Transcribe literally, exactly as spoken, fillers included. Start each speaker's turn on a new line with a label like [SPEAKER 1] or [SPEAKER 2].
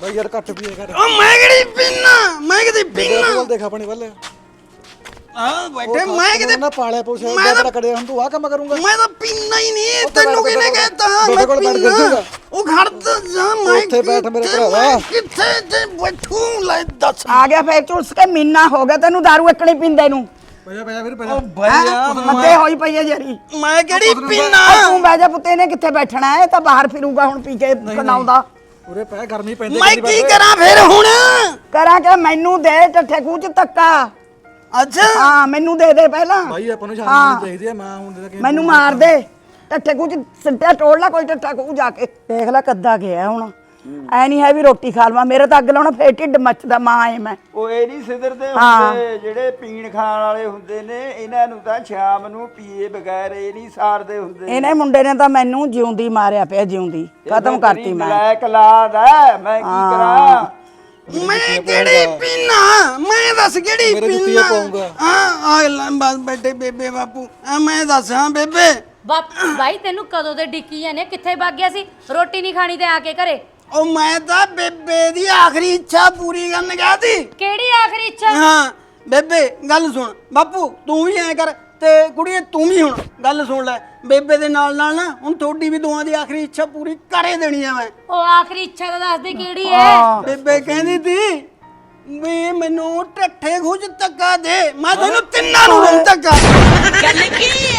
[SPEAKER 1] भाई यार कट पिए कर
[SPEAKER 2] ओ मैं किहड़ी पीना मैं किते पीना
[SPEAKER 1] बोल देख अपने वाले
[SPEAKER 2] हां बैठे मैं किते
[SPEAKER 1] ना पाले पोछे बड़ा करे हम तू आ काम करूंगा
[SPEAKER 2] मैं तो पीना ही नहीं तेनू किने कहता मैं पीना ओ घर तो जा मैं
[SPEAKER 1] ਉੱਥੇ ਬੈਠ ਮੇਰੇ ਭਰਾਵਾ
[SPEAKER 2] किथे ते बैठू ले दस
[SPEAKER 3] आ गया फिर ਝੁਲਸ ਕੇ ਮਹੀਨਾ ਹੋ ਗਿਆ ਤੈਨੂੰ दारू ਇਕਣੀ ਪੀਂਦੇ ਨੂੰ
[SPEAKER 1] ਭਈਆ ਭਈਆ ਵੀਰ
[SPEAKER 2] ओ भैया
[SPEAKER 3] ਮੱਦੇ ਹੋਈ ਪਈ ਹੈ ਜਰੀ
[SPEAKER 2] मैं किहड़ी पीना
[SPEAKER 3] ਤੂੰ ਬਹਿ ਜਾ ਪੁੱਤੇ ਨੇ ਕਿੱਥੇ ਬੈਠਣਾ ਹੈ ਤਾਂ ਬਾਹਰ ਫਿਰੂਗਾ ਹੁਣ ਪੀ ਕੇ ਕਨਾਉਂਦਾ
[SPEAKER 1] ਉਰੇ ਪੈ ਗਰਮੀ ਪੈਂਦੀ
[SPEAKER 2] मैं की करा फिर हुन
[SPEAKER 3] ਕਰਾਂ ਕਿ ਮੈਨੂੰ ਦੇ ਟੱਠੇ ਖੂਹ ਚ ਧੱਕਾ
[SPEAKER 2] अच्छा
[SPEAKER 3] ਹਾਂ ਮੈਨੂੰ ਦੇ ਦੇ ਪਹਿਲਾਂ
[SPEAKER 1] ਭਾਈ ਆਪਾਂ ਨੂੰ ਸ਼ਾਮ ਨੂੰ ਚਾਹੀਦੀ ਆ ਮਾਂ ਹੁਣ ਦੇ
[SPEAKER 3] ਮੈਨੂੰ ਮਾਰ ਦੇ ਟੱਠੇ ਖੂਹ ਚ ਸਿੱਟਿਆ ਟੋੜ ਲੈ ਕੋਈ ਟੱਠਾ ਖੂਹ ਜਾ ਕੇ ਦੇਖ ਲੈ ਕੱਦਾ ਗਿਆ ਹੁਣ ਐ ਨਹੀਂ ਹੈ ਵੀ ਰੋਟੀ ਖਾ ਲਵਾਂ ਮੇਰੇ ਤਾਂ ਅੱਗ ਲਾਉਣਾ ਫੇਰ ਢਿੱਡ ਮੱਚਦਾ ਮਾਂ ਐ ਮੈਂ
[SPEAKER 4] ਉਹ ਇਹ ਨਹੀਂ ਸਿਧਰਦੇ ਹੁੰਦੇ ਜਿਹੜੇ ਪੀਣ ਖਾਣ ਵਾਲੇ ਹੁੰਦੇ ਨੇ ਇਹਨਾਂ ਨੂੰ ਤਾਂ ਸ਼ਾਮ ਨੂੰ ਪੀਏ ਬਗੈਰ ਇਹ ਨਹੀਂ ਸਾਰਦੇ ਹੁੰਦੇ
[SPEAKER 3] ਇਹਨੇ ਮੁੰਡੇ ਨੇ ਤਾਂ ਮੈਨੂੰ ਜਿਉਂਦੀ ਮਾਰਿਆ ਪਿਆ ਜਿਉਂਦੀ ਖਤਮ ਕਰਤੀ ਮੈਂ
[SPEAKER 4] ਬਲੈਕ ਲਾਦ ਹੈ ਮੈਂ ਕੀ ਕਰਾਂ
[SPEAKER 2] मैं केड़ी पीना मैं दस केड़ी
[SPEAKER 1] मेरे
[SPEAKER 2] पीना
[SPEAKER 1] जुत्तियां पाऊंगा।
[SPEAKER 2] हां आ बस बैठे बेबे बापू आ मैं दस हां बेबे
[SPEAKER 5] ਬਾਪ ਬਾਈ ਤੈਨੂੰ ਕਦੋਂ ਦੇ ਡਿੱਕੀ ਜਾਂਦੇ ਕਿੱਥੇ ਵਗ ਗਿਆ ਸੀ ਰੋਟੀ ਨਹੀਂ ਖਾਣੀ ਤੇ ਆ ਕੇ ਘਰੇ
[SPEAKER 2] ओ मैं ਤਾਂ ਬੇਬੇ ਦੀ ਆਖਰੀ ਇੱਛਾ ਪੂਰੀ ਕਰਨ ਗਿਆ ਸੀ
[SPEAKER 5] ਕਿਹੜੀ ਆਖਰੀ ਇੱਛਾ
[SPEAKER 2] ਹਾਂ ਬੇਬੇ ਗੱਲ ਸੁਣ ਬਾਪੂ ਤੂੰ ਵੀ ਐ ਕਰ ਤੇ ਕੁੜੀਏ ਤੂੰ ਵੀ ਹੁਣ ਗੱਲ ਸੁਣ ਲੈ ਬੇਬੇ ਦੇ ਨਾਲ ਨਾਲ ਨਾ ਹੁਣ ਤੁਹਾਡੀ ਵੀ ਦੋਵਾਂ ਦੀ ਆਖਰੀ ਇੱਛਾ ਪੂਰੀ ਕਰੇ ਦੇਣੀ ਆ ਮੈਂ
[SPEAKER 5] ਉਹ ਆਖਰੀ ਇੱਛਾ ਤਾਂ ਦੱਸ ਦੇ ਕਿਹੜੀ ਹੈ
[SPEAKER 2] ਬੇਬੇ ਕਹਿੰਦੀ ਤੀ ਵੀ ਮੈਨੂੰ ਟੱਠੇ ਖੁਜ ਧੱਕਾ ਦੇ ਮੈਂ ਤੈਨੂੰ ਤਿੰਨਾਂ ਨੂੰ ਦਊਂ ਧੱਕਾ